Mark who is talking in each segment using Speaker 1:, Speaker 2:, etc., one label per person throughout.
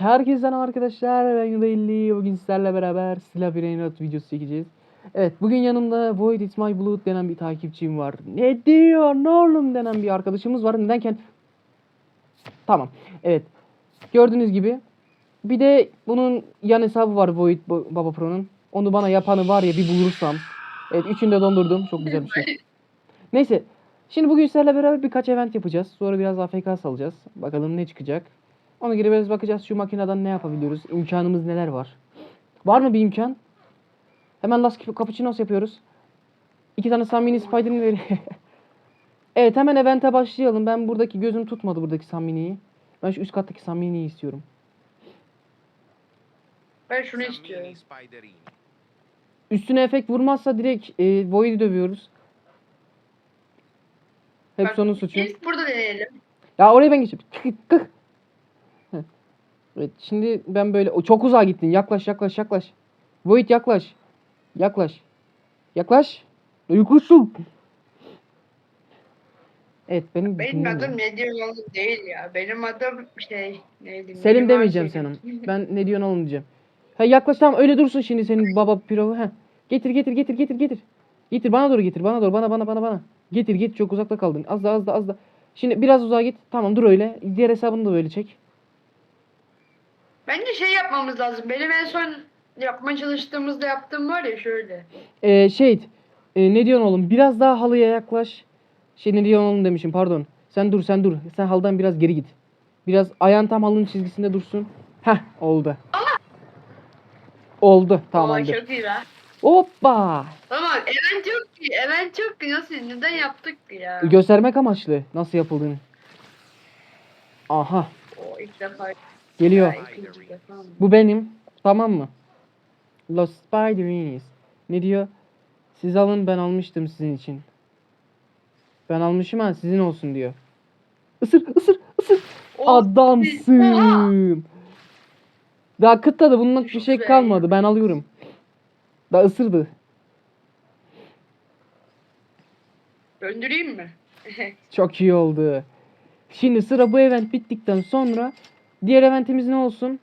Speaker 1: Herkese arkadaşlar, ben Yudayli. Bugün sizlerle beraber silah brainrot videosu çekeceğiz. Evet, bugün yanımda Void It's My Blood denen bir takipçim var. Ne diyor ne oğlum denen bir arkadaşımız var. Nedenken tamam. Evet. Gördüğünüz gibi bir de bunun yan hesabı var Void Baba Pro'nun. Onu bana yapanı var ya bir bulursam. Evet, üçünü de dondurdum. Çok güzel bir şey. Neyse. Şimdi bugün sizlerle beraber birkaç event yapacağız. Sonra biraz AFK salacağız. Bakalım ne çıkacak. Ona göre biraz bakacağız şu makineden ne yapabiliyoruz. İmkanımız neler var. Var mı bir imkan? Hemen Last Cappuccinos yapıyoruz. 2 tane Samini Spider'ını ver. Evet, hemen event'e başlayalım. Ben buradaki gözüm tutmadı buradaki Samini'yi. Ben şu üst kattaki Samini'yi istiyorum.
Speaker 2: Ben şunu istiyorum.
Speaker 1: Üstüne efekt vurmazsa direkt Void'i dövüyoruz. Hep onun suçu.
Speaker 2: İlk burada deneyelim.
Speaker 1: Ya oraya ben geçeyim. Kık. Evet, şimdi ben böyle çok uzağa gittin. Yaklaş. Void yaklaş. Yaklaş. Yaklaşsın. Evet,
Speaker 2: Benim adım ne diyor oğlum değil ya. Benim adım neydi?
Speaker 1: Selim demeyeceğim senin. Ben ne diyorsun oğlum diyeceğim. Ha, yaklaş, tamam, öyle dursun şimdi senin baba pilavı. Ha. Getir. Getir bana doğru getir. Bana. Getir çok uzakta kaldın. Az da. Şimdi biraz uzağa git. Tamam, dur öyle. Diğer hesabını da böyle çek.
Speaker 2: Bence yapmamız lazım. Benim en son yapmaya çalıştığımızda yaptığım var ya şöyle.
Speaker 1: Ne diyorsun oğlum? Biraz daha halıya yaklaş. Ne diyorsun oğlum demişim, pardon. Sen dur. Sen haldan biraz geri git. Biraz ayağın tam halının çizgisinde dursun. Heh, oldu. Oldu, tamamdır.
Speaker 2: Çok iyi lan.
Speaker 1: Hoppa.
Speaker 2: Tamam, event yok ki. Nasıl, neden yaptık ki ya?
Speaker 1: Göstermek amaçlı nasıl yapıldığını. Aha.
Speaker 2: O ilk defa.
Speaker 1: Geliyor.
Speaker 2: Ya, ikinci defa mı?
Speaker 1: Bu benim. Tamam mı? Los Spiderines. Ne diyor? Siz alın, ben almıştım sizin için. Ben almışım ha, sizin olsun diyor. Isır.
Speaker 2: O-
Speaker 1: Adamsın. Daha kıtladı, bunun bir şey
Speaker 2: Güzel.
Speaker 1: kalmadı. Ben alıyorum. Daha ısırdı.
Speaker 2: Döndüreyim mi?
Speaker 1: Çok iyi oldu. Şimdi sıra bu event bittikten sonra diğer eventimiz ne olsun?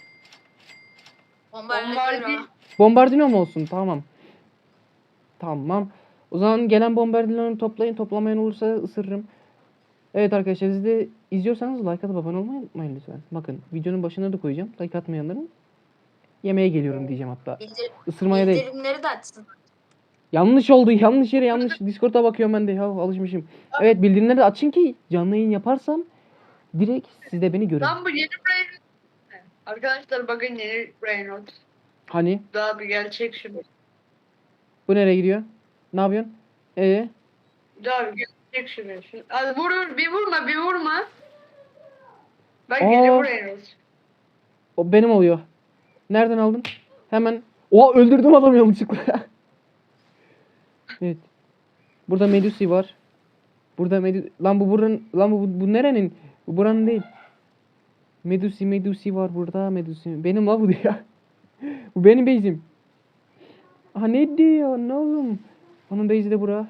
Speaker 1: Bombardino mu olsun? Tamam. O zaman gelen bombardinoları toplayın. Toplamayan olursa ısırırım. Evet arkadaşlar, siz de izliyorsanız like atıp abone olmayı unutmayın lütfen. Bakın, videonun başına da koyacağım. Like atmayanların yemeğe geliyorum diyeceğim hatta. Isırmaya değil.
Speaker 3: Bildirimleri de açsın.
Speaker 1: Yanlış oldu. Yanlış yere yanlış. Discord'a bakıyorum ben de. Ya, alışmışım. Evet, bildirimleri de açın ki canlı yayın yaparsam direkt siz de beni görün.
Speaker 2: Lan bu yeni brain. Arkadaşlar bakın, yeni brain.
Speaker 1: Hani?
Speaker 2: Daha bir gerçek şimdi.
Speaker 1: Bu nereye gidiyor? Ne yapıyorsun?
Speaker 2: Daha bir gerçek şimdi. Hadi bir vurma. Bak
Speaker 1: Aa.
Speaker 2: yeni brain.
Speaker 1: O benim oluyor. Nereden aldın? Hemen. Oha, öldürdüm adamı yanlışlıkla. Evet. Burada Medusi var. Lan bu buranın, bu nerenin? Bu buranın değil. Medusi var burada. Medusi. Benim la bu diyor. Bu benim base'im. Aha, ne diyor? Ne oğlum? Onun base'i de bura.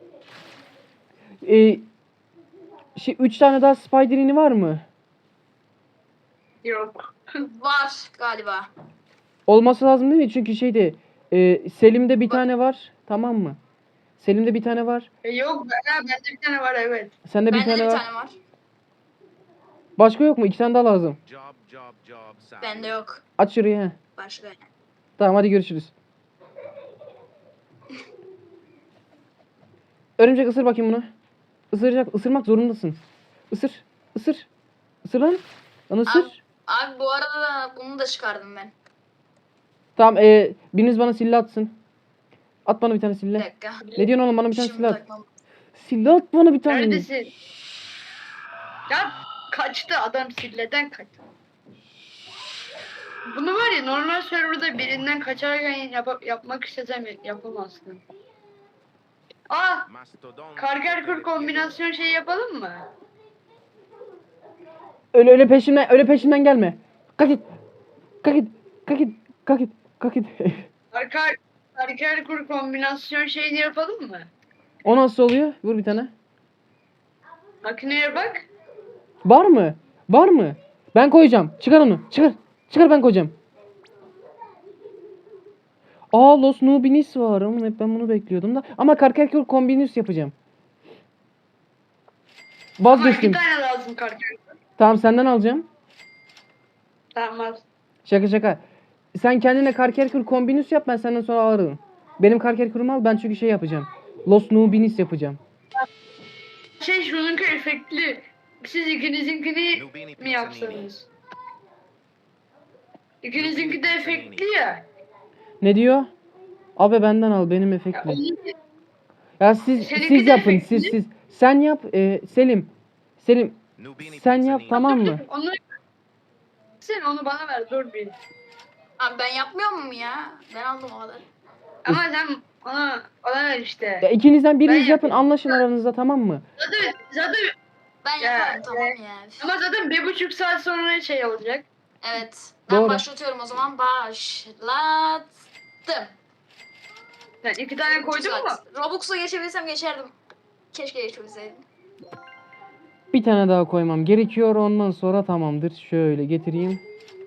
Speaker 1: 3 tane daha Spider'ini var mı?
Speaker 2: Yok.
Speaker 3: Var galiba.
Speaker 1: Olması lazım değil mi? Çünkü Selim'de bir tane var. Tamam mı? Selim'de bir tane var.
Speaker 2: Yok, bende bir tane var, evet.
Speaker 1: Sende bir
Speaker 3: Bende de
Speaker 1: tane
Speaker 3: bir
Speaker 1: var.
Speaker 3: tane var.
Speaker 1: Başka yok mu? 2 tane daha lazım.
Speaker 3: Bende yok.
Speaker 1: Aç şurayı he.
Speaker 3: Başka.
Speaker 1: Tamam, hadi görüşürüz. Örümcek, ısır bakayım bunu. Isırmak zorundasın. Isır. Isır lan. Lan ısır.
Speaker 3: Abi bu arada da bunu da çıkardım ben.
Speaker 1: Tamam, biriniz bana silah atsın. At bana bir tane
Speaker 3: Bir
Speaker 1: silah.
Speaker 3: dakika.
Speaker 1: Ne diyorsun oğlum, bana bir tane
Speaker 3: Şimdi
Speaker 1: silah at.
Speaker 3: takmam.
Speaker 1: Silah at bana bir tane.
Speaker 2: Neredesin? Ya kaçtı adam, silleden kaçtı. Bunu var ya, normal serverda birinden kaçarken yapmak istesem yapamazsın. Karger kur kombinasyon yapalım mı?
Speaker 1: Öyle peşimden gelme. Kalk git.
Speaker 2: Karger kur kombinasyon yapalım mı?
Speaker 1: O nasıl oluyor? Vur bir tane.
Speaker 2: Makineye bak.
Speaker 1: Var mı? Ben koyacağım. Çıkar onu. Çıkar. Çıkar ben koyacağım. Aa Los Nubinis var. Ama hep ben bunu bekliyordum da. Ama Karkerkür Kombinus yapacağım.
Speaker 2: Ama
Speaker 1: Vazgeçtim.
Speaker 2: 2 tane lazım karker.
Speaker 1: Tamam senden alacağım.
Speaker 2: Tamam.
Speaker 1: Şaka şaka. Sen kendine Karkerkür Kombinus yap, ben senden sonra alırım. Benim Karkerkür'ümü al, ben çünkü şey yapacağım. Los Nubinis yapacağım.
Speaker 2: Şununki efektli. Siz ikinizinkini mi yapsanız? İkinizinki de efektli ya.
Speaker 1: Ne diyor? Abi benden al, benim efektli. Ya siz
Speaker 2: Seninki
Speaker 1: siz
Speaker 2: de
Speaker 1: yapın,
Speaker 2: efektli.
Speaker 1: siz. Sen yap, Selim. Selim sen yap, tamam mı?
Speaker 2: Onu sen onu bana ver dur bir.
Speaker 3: Abi ben yapmıyor muyum ya? Ben aldım o kadar.
Speaker 2: Ama sen ona ver işte.
Speaker 1: Ya ikinizden biriniz
Speaker 2: Ben
Speaker 1: yapın,
Speaker 2: yapayım.
Speaker 1: anlaşın aranızda, tamam mı?
Speaker 2: Zaten
Speaker 3: Ben
Speaker 2: Ya,
Speaker 3: yaparım tamam ya.
Speaker 2: ama zaten 1,5 saat sonra şey olacak.
Speaker 3: Evet. Ben
Speaker 1: Doğru.
Speaker 3: başlatıyorum o zaman. Başlattım.
Speaker 2: Sen 2 tane koydun mu?
Speaker 3: Robux'a geçebilsem geçerdim. Keşke geçebilseydim.
Speaker 1: Bir tane daha koymam gerekiyor, ondan sonra tamamdır. Şöyle getireyim.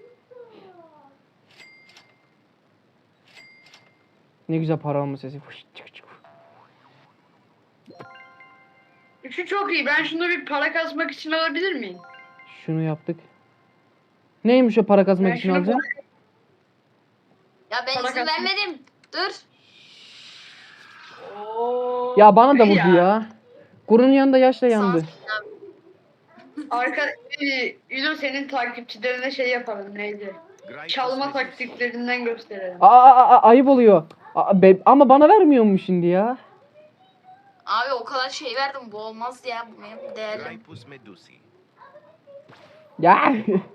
Speaker 1: Ne güzel para alma sesi. Fış, çık çık.
Speaker 2: Şu çok iyi. Ben şunu bir para kasmak için alabilir miyim?
Speaker 1: Şunu yaptık. Neymiş o para kazanmak
Speaker 2: Ben
Speaker 1: için
Speaker 2: şunu
Speaker 1: alacağım?
Speaker 3: Ya ben
Speaker 2: Para
Speaker 3: izin
Speaker 2: kasmak-
Speaker 3: vermedim. Dur.
Speaker 2: Oo.
Speaker 1: Ya bana da vurdu ya. Kurunun yanında yaşla yandı.
Speaker 2: Arka Ülo senin takipçilerine şey yapalım neydi? Çalma taktiklerinden gösterelim.
Speaker 1: Ayıp oluyor. Ama bana vermiyor mu şimdi ya?
Speaker 3: Abi o kadar şey verdim. Bu olmaz ya. Bu benim değerlim.
Speaker 4: Graipus medusi.
Speaker 1: Ya.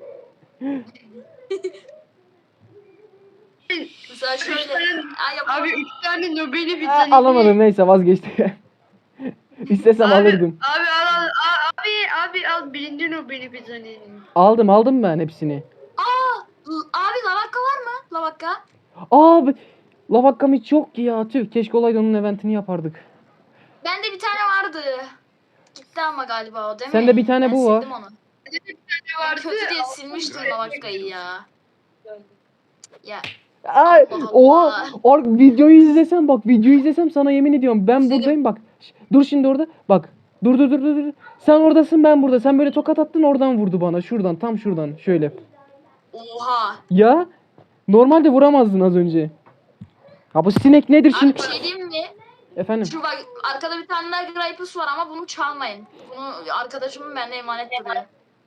Speaker 3: Mesela şöyle. Aa, yapalım.
Speaker 2: Abi 3 tane Nobel'i bir
Speaker 1: Aa,
Speaker 2: tane.
Speaker 1: alamadım, neyse vazgeçtim. İstesem alırdım.
Speaker 2: Abi al birinci Nobel'i bir tane.
Speaker 1: Aldım ben hepsini.
Speaker 3: Abi lavakka var mı? Lavakka.
Speaker 1: Abi lavakkam hiç yok ki ya. Tüh, keşke olaydı, onun eventini yapardık.
Speaker 3: Bende bir tane vardı. Gitti ama galiba o değil mi?
Speaker 1: Sende bir tane
Speaker 3: Ben
Speaker 1: bu var.
Speaker 3: sildim onu.
Speaker 2: Ne
Speaker 3: Ben
Speaker 2: vardı?
Speaker 3: kötü diye silmiştim lavakkayı ya. Ya
Speaker 1: Ay,
Speaker 3: Allah
Speaker 1: oha.
Speaker 3: Allah.
Speaker 1: Videoyu izlesem, bak videoyu izlesem sana yemin ediyorum ben
Speaker 3: İzledim.
Speaker 1: buradayım bak. Dur şimdi orada. Bak. Dur. Sen oradasın, ben burada. Sen böyle tokat attın, oradan vurdu bana. Şuradan, tam şuradan. Şöyle.
Speaker 3: Oha.
Speaker 1: Ya normalde vuramazdın az önce. Ha bu sinek nedir
Speaker 3: Abi
Speaker 1: şimdi?
Speaker 3: bir şey diyeyim mi?
Speaker 1: Efendim.
Speaker 3: Şu bak arkada bir tane daha Gripus var ama bunu çalmayın. Bunu arkadaşımın bende emanet duruyor.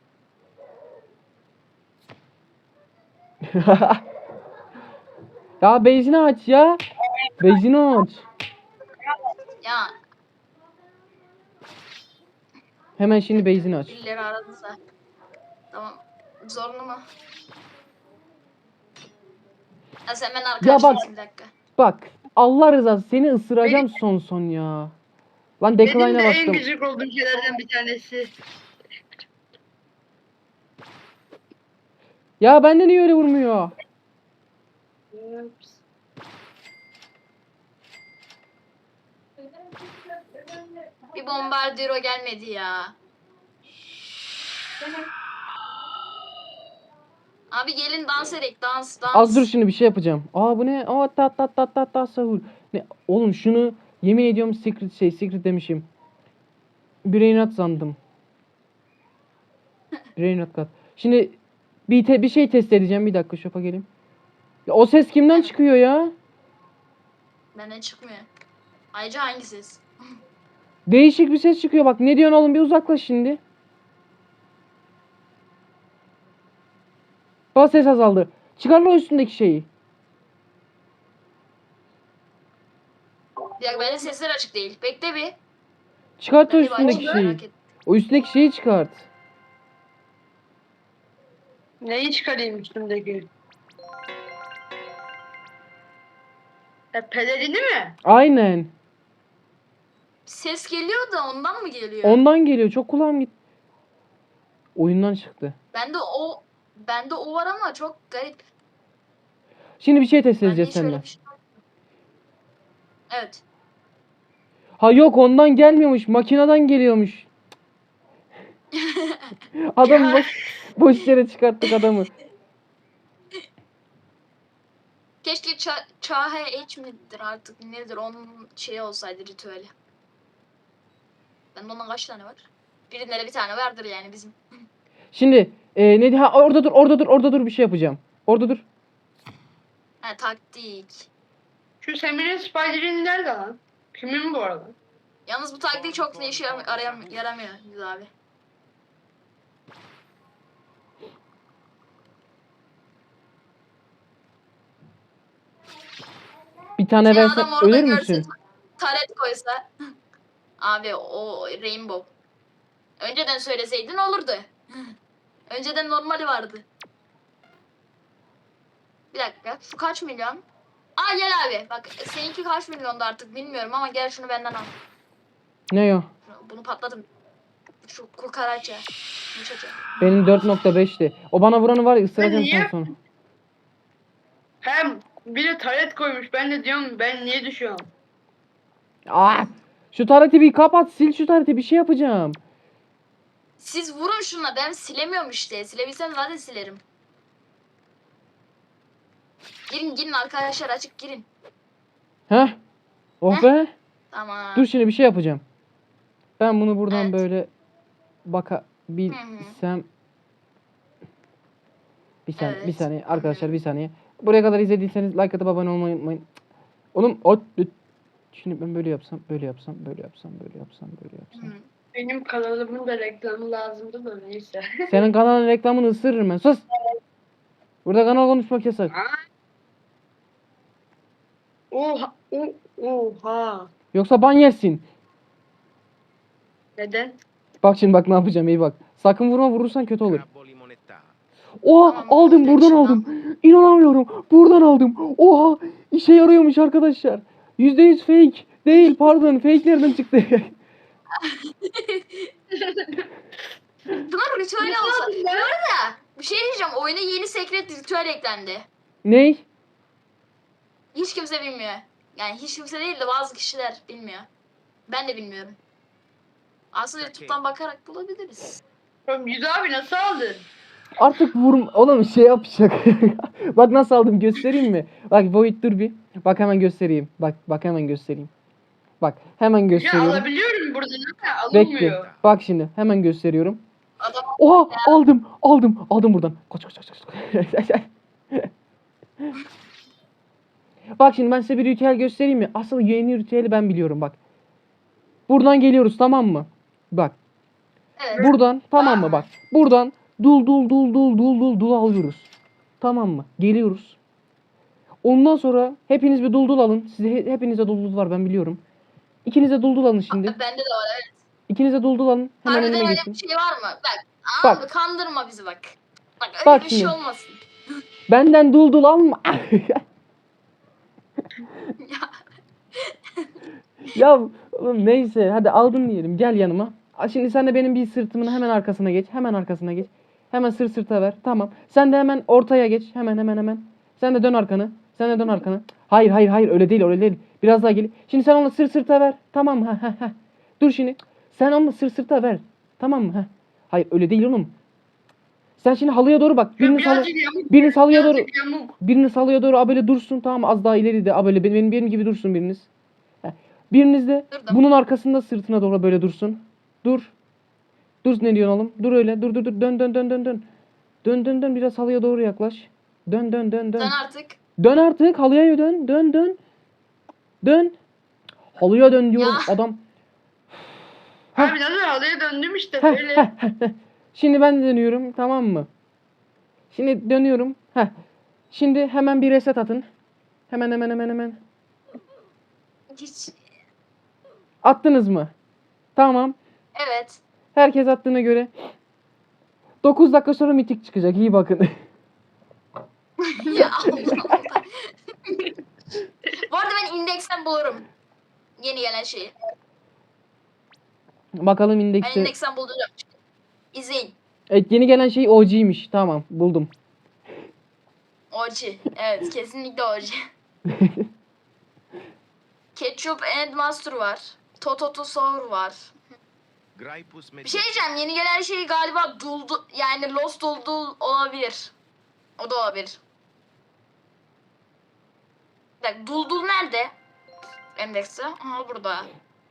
Speaker 1: Ya bezini aç ya. Bezini aç.
Speaker 3: Ya
Speaker 1: Hemen şimdi bezini aç.
Speaker 3: birileri aradıysa. Tamam. Zorlu mu? Ha sen ben
Speaker 1: Ya
Speaker 3: arkadaşlarsın bir dakika.
Speaker 1: Bak. Allah rızası, seni ısıracağım son ya. Lan
Speaker 2: Benim de
Speaker 1: decline'a
Speaker 2: en
Speaker 1: bastım.
Speaker 2: gıcık olduğum şeylerden bir tanesi.
Speaker 1: Ya bende niye öyle vurmuyor?
Speaker 3: Bir bombardiro gelmedi ya. Abi gelin dans edek dans.
Speaker 1: Az dur, şimdi bir şey yapacağım. Aa bu ne? Aa ta sahur. Ne? Oğlum şunu yemin ediyorum secret demişim. Brainrot sandım. Brainrot kat. Şimdi bir şey test edeceğim. Bir dakika şopa geleyim. Ya o ses kimden çıkıyor ya?
Speaker 3: Benden çıkmıyor. Ayrıca hangi ses?
Speaker 1: Değişik bir ses çıkıyor. Bak ne diyorsun oğlum, bir uzaklaş şimdi. Bak ses azaldı. Çıkar lan o üstündeki şeyi.
Speaker 3: Bir dakika bende sesler açık değil. Bekle bir.
Speaker 1: Çıkart o
Speaker 3: Ben bir
Speaker 1: üstündeki
Speaker 3: bakayım,
Speaker 1: şeyi.
Speaker 3: merak ettim.
Speaker 1: O üstündeki şeyi çıkart.
Speaker 2: Neyi çıkarayım üstümdeki? Pelerini mi?
Speaker 1: Aynen.
Speaker 3: Ses geliyor da ondan mı geliyor?
Speaker 1: Ondan geliyor. Çok kulağım gitti. Oyundan çıktı.
Speaker 3: Bende o var ama çok garip.
Speaker 1: Şimdi bir şey test
Speaker 3: Bende
Speaker 1: edeceğiz
Speaker 3: hiç öyle
Speaker 1: seninle.
Speaker 3: bir şey yok. Evet.
Speaker 1: Ha yok, ondan gelmiyormuş. Makineden geliyormuş. Adam
Speaker 2: Ya.
Speaker 1: bak. Boş yere çıkarttık adamı.
Speaker 3: Keşke Çahe H midir artık nedir onun şeyi olsaydı ritüeli. Bende ondan kaç tane var? Birinde de bir tane vardır yani bizim.
Speaker 1: Şimdi ne ha orada dur, orada dur, orada dur, bir şey yapacağım. Orada dur.
Speaker 3: Ha taktik.
Speaker 2: Şu Semir'in Spider'in nerede lan? Kimin bu arada?
Speaker 3: Yalnız bu taktik çok da işe yaramıyor Yüz abi.
Speaker 1: Bir tane
Speaker 3: Seni
Speaker 1: versen
Speaker 3: adam orada
Speaker 1: ölür
Speaker 3: görse
Speaker 1: müsün?
Speaker 3: taret koysa. Abi o Rainbow. Önceden söyleseydin olurdu. Önceden normali vardı. Bir dakika. Şu kaç milyon? Aa gel abi. Bak seninki kaç milyondu artık bilmiyorum ama gel şunu benden al.
Speaker 1: Ne o?
Speaker 3: Bunu patladım. Şu kukaraça. Yumuşacık.
Speaker 1: Benim 4.5'ti. O bana vuranı var ya, ısıracağım
Speaker 2: niye-
Speaker 1: tam sonra.
Speaker 2: Hem bir de taret koymuş. Ben de diyorum ben niye düşüyorum?
Speaker 1: Ah! Şu tareti bir kapat, sil şu tareti, bir şey yapacağım.
Speaker 3: Siz vurun şuna. Ben silemiyorum işte. Silebilsem zaten silerim. Girin arkadaşlar açık girin.
Speaker 1: Heh. Oh be.
Speaker 3: Tamam.
Speaker 1: Dur şimdi bir şey yapacağım. Ben bunu buradan
Speaker 3: Evet.
Speaker 1: böyle bakabilsem. Bir saniye, bir
Speaker 3: Evet.
Speaker 1: saniye arkadaşlar, bir saniye. Buraya kadar izlediyseniz like atıp abone olmayı unutmayın. Oğlum şimdi ben böyle yapsam, böyle yapsam, böyle yapsam, böyle yapsam, böyle yapsam.
Speaker 3: Hı.
Speaker 2: Benim kanalımın da reklamı lazımdı da neyse.
Speaker 1: Senin kanalın reklamını ısırırım ben. Sus. Burada kanal konuşmak yasak.
Speaker 2: Oha. Oha.
Speaker 1: Yoksa ban yersin.
Speaker 2: Neden?
Speaker 1: Bak şimdi, bak ne yapacağım, iyi bak. Sakın vurma, vurursan kötü olur.
Speaker 4: Crabbo limonetta.
Speaker 1: Oha,
Speaker 3: Tamam,
Speaker 1: aldım,
Speaker 3: oldu,
Speaker 1: buradan
Speaker 3: şundan.
Speaker 1: aldım. İnanamıyorum. Buradan aldım. Oha, işe yarıyormuş arkadaşlar. %100 fake. Değil, pardon, fake nereden çıktı?
Speaker 3: Bunlar ritüel olsa. Bu arada bir şey diyeceğim. Oyuna yeni secret ritüel eklendi.
Speaker 1: Ney?
Speaker 3: Hiç kimse bilmiyor. Yani hiç kimse değil de bazı kişiler bilmiyor. Ben de bilmiyorum. Aslında YouTube'dan bakarak bulabiliriz.
Speaker 2: Oğlum Yüz abi nasıl aldın?
Speaker 1: Artık oğlum şey yapacak. Bak nasıl aldım, göstereyim mi? Bak Void, dur bir. Bak hemen göstereyim. Bak hemen göstereyim. Bak hemen
Speaker 2: Ya
Speaker 1: gösteriyorum.
Speaker 2: alabiliyorum burada ama
Speaker 1: Bekle.
Speaker 2: alınmıyor.
Speaker 1: Bak şimdi hemen gösteriyorum.
Speaker 3: Adam
Speaker 1: Oha, aldım buradan. Kaç. Bak şimdi ben size bir ritüel göstereyim mi? Asıl yeni ritüeli ben biliyorum bak. Buradan geliyoruz, tamam mı? Bak.
Speaker 3: evet.
Speaker 1: Buradan, tamam mı bak. Buradan dul alıyoruz. Tamam mı? Geliyoruz. Ondan sonra hepiniz bir dul alın. Hepinize dul var, ben biliyorum. İkinize dul alın şimdi.
Speaker 3: Bende de var evet.
Speaker 1: İkinize dul alın. Hemen
Speaker 3: Harbiden
Speaker 1: önüme
Speaker 3: öyle
Speaker 1: geçin.
Speaker 3: bir şey var mı? Bak.
Speaker 1: Bak.
Speaker 3: Abi kandırma bizi bak. Bak öyle
Speaker 1: Bak
Speaker 3: bir şey
Speaker 1: şimdi.
Speaker 3: olmasın.
Speaker 1: Benden dul alma. Ya oğlum neyse, hadi aldın diyelim, gel yanıma. Şimdi sen de benim bir sırtımın hemen arkasına geç. Hemen arkasına geç. Hemen sırta ver. Tamam. Sen de hemen ortaya geç. Hemen. Sen de dön arkanı. Hayır, öyle değil. Biraz daha gel. Şimdi sen onu sırta ver. Tamam mı? Dur şimdi. Sen onu sırta ver. Tamam mı? Hayır, öyle değil oğlum. Sen şimdi halıya doğru bak.
Speaker 2: Birazcık yamuk.
Speaker 1: Biriniz halıya doğru.
Speaker 2: Birazcık yamuk.
Speaker 1: Biriniz halıya doğru a böyle dursun, tamam mı? Az daha ileri de a böyle benim gibi dursun biriniz. Biriniz de
Speaker 3: Durdum.
Speaker 1: bunun arkasında sırtına doğru böyle dursun. Dur. Dur, ne diyorsun oğlum? Dur öyle. Dur. Dön biraz halıya doğru yaklaş. Dön.
Speaker 3: Dön artık.
Speaker 1: Dön artık, halıya dön. Dön. Halıya dön diyorum
Speaker 3: Ya.
Speaker 1: adam.
Speaker 2: Abi nasıl halıya döndüm işte
Speaker 1: Heh,
Speaker 2: böyle.
Speaker 1: Şimdi ben dönüyorum, tamam mı? Şimdi dönüyorum. Şimdi hemen bir reset atın. Hemen.
Speaker 3: Hiç.
Speaker 1: Attınız mı? Tamam.
Speaker 3: Evet.
Speaker 1: Herkes attığına göre 9 dakika sonra mitik çıkacak. İyi bakın.
Speaker 3: Ya Allah. Bu arada ben indeksten bulurum. Yeni gelen şeyi.
Speaker 1: Bakalım
Speaker 3: Ben
Speaker 1: indekse.
Speaker 3: indeksten bulacağım. İzleyin.
Speaker 1: Evet, yeni gelen şey OG'ymiş. Tamam, buldum.
Speaker 3: OG. Evet kesinlikle OG. Ketchup and Master var. Tototo Sour var. Bir şey diyeceğim. Yeni gelen şey galiba Duldu, yani Lost Duldul olabilir. O da olabilir. Bir dakika, Duldul nerede? Endekste. Aha burada.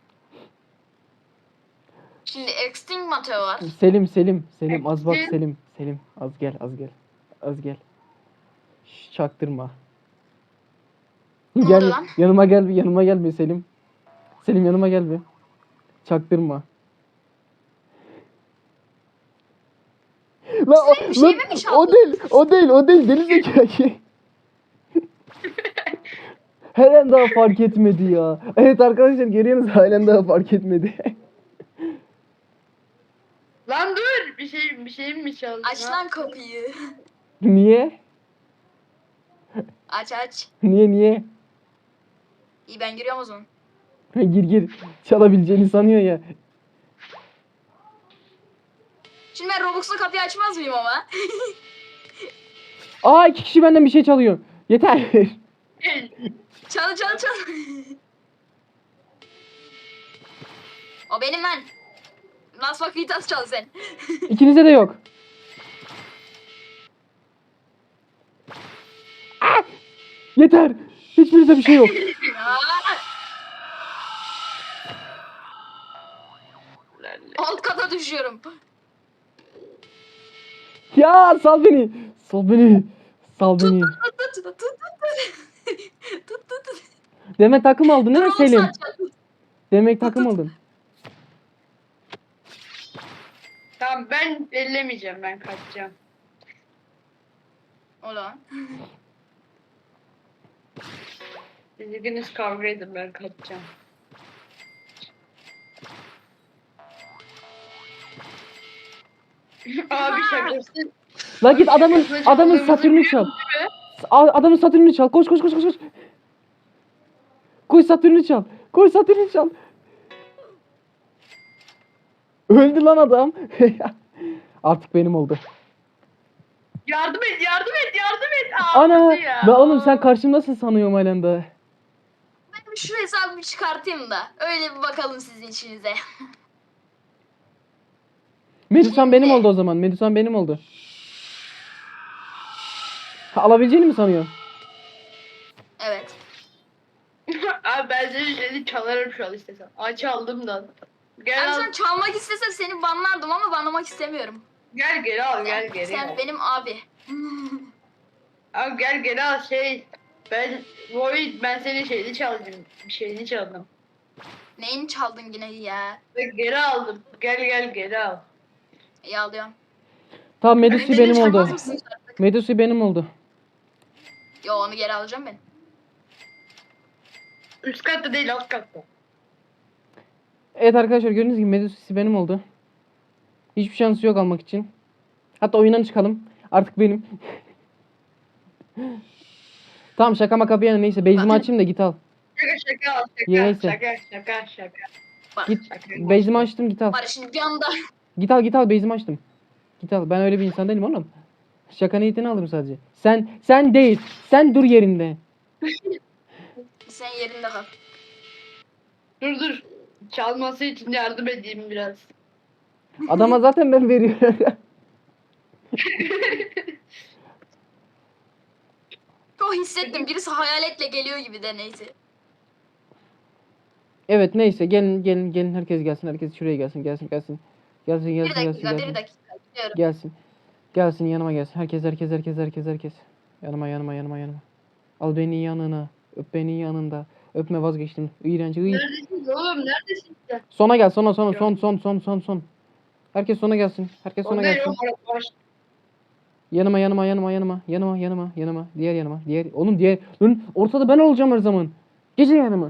Speaker 3: Şimdi Extinct var.
Speaker 1: Selim az bak Selim az gel. Şş, çaktırma.
Speaker 3: Ne
Speaker 1: Gel
Speaker 3: oldu lan?
Speaker 1: yanıma gel bir Selim. Selim yanıma gel bir. Çaktırma. Lan
Speaker 3: Selim, bir şey mi çaldın?
Speaker 1: o değil deli zekalı. Halen daha fark etmedi ya. Evet arkadaşlar görüyorsunuz halen daha fark etmedi.
Speaker 2: Lan dur. Bir şey mi çaldın?
Speaker 3: Aç lan kapıyı.
Speaker 1: Niye?
Speaker 3: Aç.
Speaker 1: Niye?
Speaker 3: İyi, ben giriyorum o zaman.
Speaker 1: Gir. Çalabileceğini sanıyor ya.
Speaker 3: Şimdi ben Robux'la kapıyı açmaz mıyım ama?
Speaker 1: Aa 2 kişi benden bir şey çalıyor. Yeter.
Speaker 3: Çal. O benim lan. Las Vakitas çal sen.
Speaker 1: İkinize de yok. Ah! Yeter. Hiçbirinde bir şey yok.
Speaker 3: Alt kata düşüyorum.
Speaker 1: Ya sal beni.
Speaker 3: Tut.
Speaker 1: Demek takım aldın değil mi
Speaker 3: Robux
Speaker 1: Selim?
Speaker 3: açacağım.
Speaker 1: Demek takım aldın.
Speaker 2: Tamam ben ellemeyeceğim, ben kaçacağım.
Speaker 3: Ulan.
Speaker 2: Siz ikiniz kavga edin, ben kaçacağım. Abi şakası.
Speaker 1: La git adamın Satürn'ü çal. Adamın Satürn'ü çal. Koş. Koş Satürn'ü çal. Öldü lan adam. Artık benim oldu.
Speaker 2: Yardım et. Aa,
Speaker 1: Ana.
Speaker 2: öldü ya.
Speaker 1: Ben oğlum sen karşımdasın sanıyorum halen daha.
Speaker 3: Ben şu hesabı bir çıkartayım da. Öyle bir bakalım sizin işinize.
Speaker 1: Medusan benim oldu o zaman. Medusan benim oldu. Ha, alabileceğini mi sanıyorsun?
Speaker 3: Evet.
Speaker 2: Abi ben senin şeyini çalarım şu an istesem. Aç aldım da. Gel
Speaker 3: Abi
Speaker 2: al.
Speaker 3: sen çalmak istesem seni banlardım ama banlamak istemiyorum.
Speaker 2: Gel geri al, gel geri
Speaker 3: Sen
Speaker 2: al.
Speaker 3: benim abi.
Speaker 2: Abi gel geri al ben senin şeyini çaldım. Bir şeyini çaldım.
Speaker 3: Neyini çaldın yine ya?
Speaker 2: Ve geri aldım. Gel geri al.
Speaker 3: İyi alıyorum.
Speaker 1: Tamam Medusi
Speaker 3: Beni
Speaker 1: benim
Speaker 3: çalmaz
Speaker 1: oldu.
Speaker 3: mısın?
Speaker 1: Medusi benim oldu.
Speaker 3: Yo, onu geri alacağım ben.
Speaker 2: Üst katta değil, alt katta.
Speaker 1: Evet arkadaşlar gördüğünüz gibi Medusi benim oldu. Hiçbir şansı yok almak için. Hatta oyundan çıkalım. Artık benim. Tamam şaka maka bir yana neyse. Base'imi açayım da git al.
Speaker 2: Şaka al,
Speaker 1: Neyse.
Speaker 2: şaka.
Speaker 3: Bak.
Speaker 1: Git.
Speaker 2: Şaka.
Speaker 1: Base'imi açtım git al.
Speaker 3: Var şimdi bir anda.
Speaker 1: Git al base'imi açtım. Git al. Ben öyle bir insan değilim oğlum. Şaka niyetini alırım sadece. Sen değil. Sen dur yerinde.
Speaker 3: Sen yerinde kal.
Speaker 2: Dur. Çalması için yardım edeyim biraz.
Speaker 1: Adama zaten ben veriyorum.
Speaker 3: O hissettim. Birisi hayaletle geliyor gibi de neyse.
Speaker 1: Evet neyse gelin herkes gelsin. Herkes şuraya gelsin.
Speaker 3: Bir dakika. Gidiyorum.
Speaker 1: Gelsin yanıma gelsin. Herkes. Yanıma. Al beni yanına. Öp beni yanında. Öpme vazgeçtim. İğrenç.
Speaker 2: Neredesin oğlum, neredesin sen?
Speaker 1: Sona gel son. Herkes sona gelsin.
Speaker 2: O ne yok, baş.
Speaker 1: Yanıma. Diğer yanıma. Oğlum diğer. Lan ortada ben olacağım her zaman. Gece yanıma.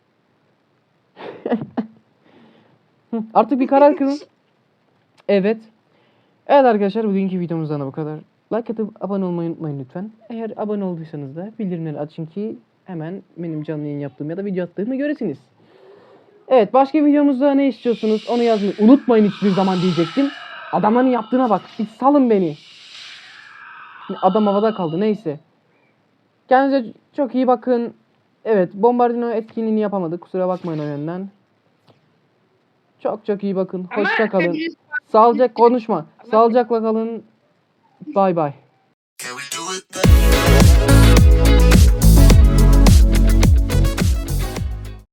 Speaker 1: Hı, artık bir karar kılın. Evet. Evet arkadaşlar bugünkü videomuzdan da bu kadar. Like atıp abone olmayı unutmayın lütfen. Eğer abone olduysanız da bildirimleri açın ki hemen benim canlı yayın yaptığım ya da video attığımı göresiniz. Evet başka videomuzda ne istiyorsunuz onu yazmayı unutmayın hiçbir zaman diyecektim. Adamların yaptığına bak. Bir salın beni. Adam havada kaldı neyse. Kendinize çok iyi bakın. Evet Bombardino etkinliğini yapamadık. Kusura bakmayın o yönden. Çok çok iyi bakın.
Speaker 2: Ama
Speaker 1: Hoşça kalın.
Speaker 2: hepiniz-
Speaker 1: Sağlıcakla konuşma. Sağlıcakla kalın. Bay bay.